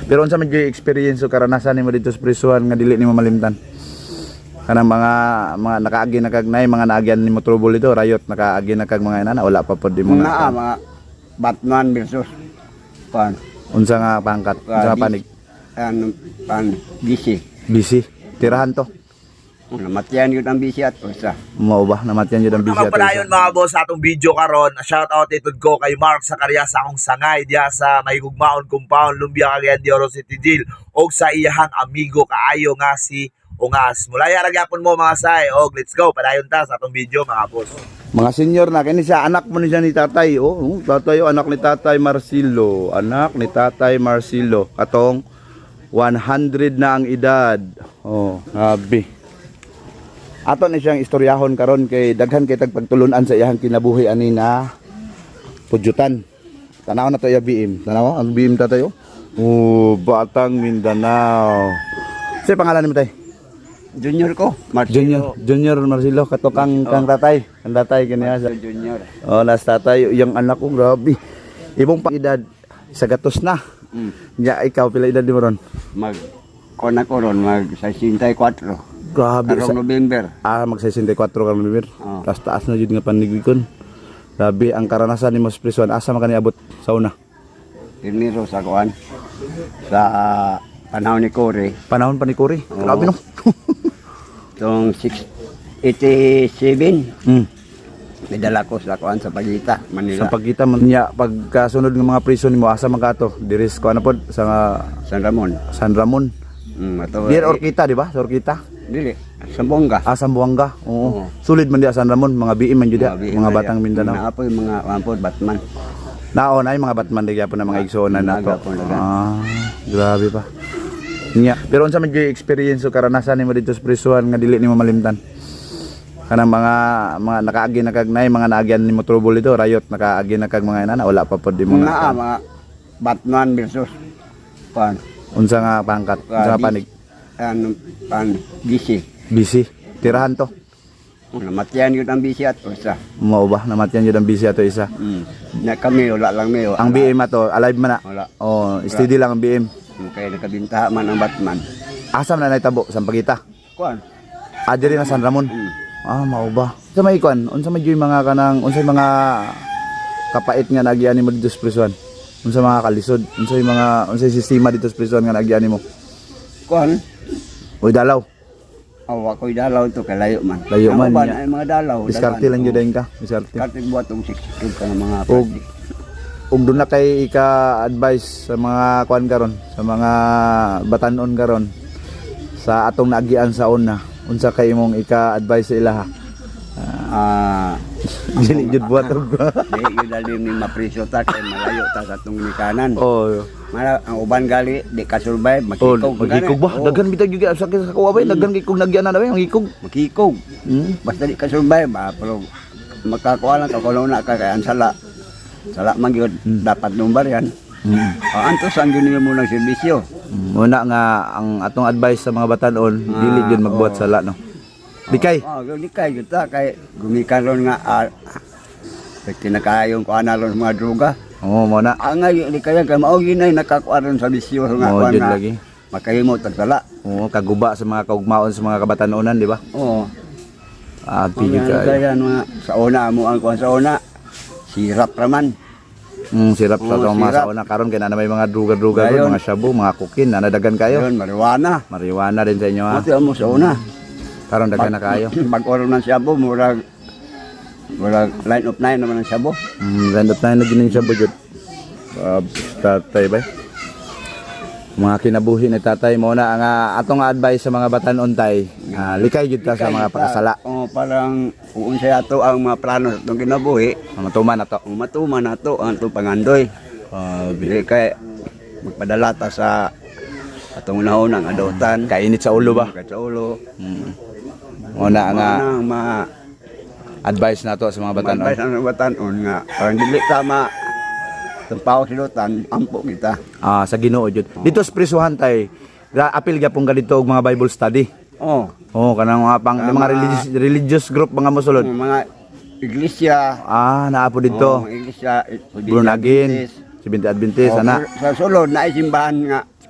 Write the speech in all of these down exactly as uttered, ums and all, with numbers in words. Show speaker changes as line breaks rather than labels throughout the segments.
Pero unsa man gyud experience o karanasan nimo dito sa prisuhan nga dili nimo malimtan? Kanang mga mga nakaagi na kag nay mga naagyan nimo trouble dito, riot nakaagi na kag mga inana wala pa pod mo
na mga Batman versus pan
unsa nga pangkat, unsa nga panig?
Ano pan busy.
Busy. Tirahan to.
Namatyan yun ang busy at usa.
Mao ba namatyan yun ang busy
Naman pala yun mga boss sa atong video karon. Shout out itud ko kay Mark Sacaria sa akong sangay diya sa Mahigugmaon Compound, Lumbia, Cagayan de Oro City Jail og sa iyahang amigo kaayo nga si Ungas. Mulaya ra gyapon mo mga say. Og let's go padayon ta sa atong video mga boss.
Mga senior na kini siya anak mo ni siya ni tatay. Oh, tatay oh, anak ni tatay Marcelo, anak ni tatay Marcelo. Katong one hundred na ang edad. Oh, grabe. Ato na siyang istoryahon karon kay daghan kay tagpagtulunan sa iyang kinabuhi ani na pudyutan. Tanaw na to ya B M. Tanaw ang B M ta tayo. Oh, Batang Mindanao. Sa pangalan nimo tay?
Junior ko, Marcelo.
Junior, Junior Marcelo katokang kang tatay. Ang tatay kaniya sa
Junior.
oh, las tatay yung anak ko grabe. Ibong edad sa gatos na.
Mm.
Ya ikaw pila edad mo ron?
Mag kona ko ron mag sixty-four.
Grabe sa
Karong November.
ah mag sixty-four ka na bibir.
Oh.
Tas taas na jud nga panigwikon. Grabe ang karanasan nimo sa prison asa man kani abot sa una?
Pirniro sa kuan. Sa uh, panahon ni Cory.
Panahon pa ni Cory.
Oo.
Grabe no.
Tong six eighty-seven.
Hmm.
May dala ko sa kuan sa Pagita, Manila.
Sa pagkita man niya pagkasunod ng mga prison nimo asa man kato? Diris ko ano pod sa
San Ramon.
San Ramon.
Mm, ato.
Dir Orquita di ba? Sa Orquita.
Dili. Sambonga.
Ah, Sambuanga. Oo.
Oo.
Sulid man diya San Ramon, mga B M man jud diya,
Mga
mga batang Mindanao.
Naapoy mga ampod Batman.
Naon ay mga Batman digya po na mga igsoon na to.
Nagapon, nagan.
Ah, grabe pa. Nya, pero unsa man gyud experience o karanasan nimo dito sa prisuhan nga dili nimo malimtan? Kanang mga mga nakaagi na kag nay mga naagyan nimo trouble dito, riot nakaagi na kag mga inana wala pa pod mo
Mga mga Batman versus pan
unsa nga pangkat, unsa nga panig?
ano pan busy.
Busy. Tirahan to.
Namatyan yun ang busy at usa.
Mao ba namatyan jud ang busy ato isa.
Mm. Na kami wala lang mayo.
Ang B M ato alive man na.
Wala.
Oh, steady lang ang B M.
Kaya nakabintaha man ang Batman.
Asam na naitabo sa Pagita.
Kuan.
Ah, diri na San Ramon.
Mm.
Ah, mao ba? Sa may kuan, unsa may gyud mga kanang unsay mga kapait nga nagiani mo dito sa prison? Unsa mga kalisod? Unsay mga unsay sistema dito sa prison nga nagiani mo?
Kuan.
Oy dalaw.
Awa ko'y dalaw to kay layo man.
Layo man
Ang uban
niya.
ay mga dalaw.
Diskarte lang jud ka, diskarte.
Diskarte buhat tong six ka ng mga
Og og doon na kay ika-advise sa mga kuan karon, sa mga batanon karon sa atong naagian sa una. Unsa kay imong ika-advise sa ilaha?
ah
Dili jud buhat og.
di yun dali ni mapriso ta kay malayo ta sa tong nikanan.
Oh.
Mara ang uban gali di ka survive
Oh,
makikog.
magikog ba?
Oo,
Daghan bitag gyud sa sa kuwa bay, daghan kay kog nagyan na bay, magikog.
makikog.
Hmm.
Basta di ka survive ba pero makakuha lang ka kuno na ka kay ang sala. Sala man gyud dapat number yan.
Mm.
Ah, antos ang gyud mo ng serbisyo.
Muna nga ang atong advice sa mga batanon,
Ah,
dili gyud magbuhat
oo.
sala no. Dikay.
Oh, oh di kay gyud ta kay gumikan ron nga ah, kinakayong kuan na ron mga droga.
Oo, mo na.
Ang ngayon di kaya kay mao ginay nakakuha ron sa bisyo nga
Oo,
kuan
jud
na.
lagi.
Makahimo tag sala.
Oo, kaguba sa mga kaugmaon sa mga kabatanunan, di ba?
Oo.
Ah,
Ang
pili ka.
kaya mga sa una mo ang kuan sa una. Sirap raman.
Mm, sirap sa
Oo,
tong mga
sirap.
sa una karon kay na may mga druga-druga
Gayon.
ron, mga shabu, mga kukin, na nadagan kayo.
Yun, marijuana.
Marijuana din sa inyo ha.
Mati mo sa una.
Karon daghan na kayo.
Pag-oro ng sabo, murag murag line of nine naman ang sabo.
Mm, randot na na gining shabu jud. Uh, tatay bay. Mga kinabuhi ni tatay mo na ang ah, atong advice sa mga batanon tay. Ah, likay jud ta sa mga pakasala.
Oh, parang uun sa ato ang mga plano sa itong kinabuhi.
Matuman na to.
Kung matuman na to ang itong pangandoy.
Ah,
Dili kay magpadala ta sa atong unahon ang adotan.
kainit sa ulo ba?
Kahit sa ulo.
Mm. Una nga
Ang mga
advice nato sa mga batanon.
advice ang batanon nga parang dili tama tumpaw silutan ampo kita.
Ah, sa Ginoo jud. Dito sa prisuhan tay, ga apil gyapon ka dito og mga Bible study.
Oh,
Oh, kanang mga pang
Tama.
mga religious religious group mga mosulod.
ang mga iglesia.
Ah, naa po
Oh,
dito.
mga iglesia.
Born again, Seventh Adventist
Oh,
ana.
sa sulod na simbahan nga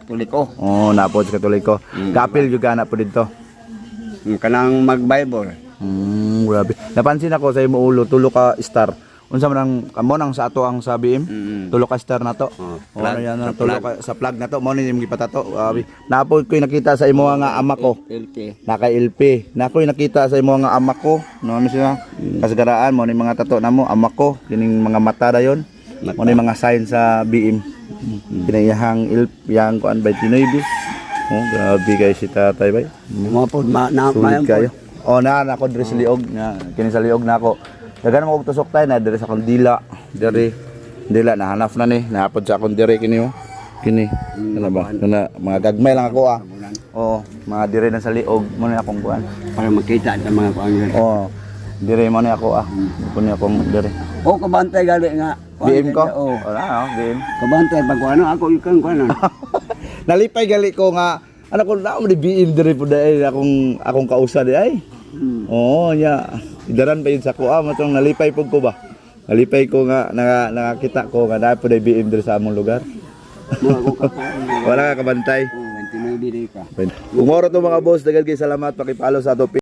Katoliko.
Oh, napod sa Katoliko. Kapil jud kana po dito.
Mm, Kanang mag-Bible.
Hmm, grabe. Napansin ako sa imo ulo tulo ka star. Unsa man ang kamo nang sa ato ang sa B M?
Mm.
Tulo ka star na to.
Oh,
Oh, ano
plug,
yan
sa
ang tulo
plug.
ka sa plug na to. Mo ni imong gipatato. Grabe. Napod ko'y nakita sa imo nga ama ko.
L P.
Naka L P. Na ko'y nakita sa imo nga ama ko. No ano siya? Kasagaraan mo ni mga tato namo ama ko. Kining mga mata dayon.
Mata.
Mo ni mga sign sa B M. Kinayahang il yang kuan by Tinoy bis. Oh, grabe guys si tatay bay.
Mga po, ma, na,
Sulit
mayan
kayo.
po.
Oh, na na ako diri sa liog na kini sa liog na ako. Dagan mo og tusok tay na diri sa akong dila. Diri dila nahanap na ni. Nahapod sa akong diri kini oh. Kini. Ano ba? Kana mga gagmay lang ako ah. Oo, mga diri na sa liog mo na akong kuan.
Para makita sa mga pangyan.
Oo. Diri mo na ako ah. Kunya akong diri.
O, kabantay gali nga.
B M ko?
Oo.
Wala oh, B M.
Kabantay, pag ano, ako yung kuanan.
Nalipay gali ko nga ano ko na mo di B M diri po dai akong akong kausa di ay.
Hmm.
Oo, nya. Idaran pa yun sa kuha, matong nalipay po ko ba? Nalipay ko nga, nga nakakita ko nga na po na B M diri sa among lugar.
Mga ko kakuan.
Wala ka kabantay.
Oo, twenty-nine di ka.
Kung moro to mga boss, dagal kay salamat pakipalo sa ato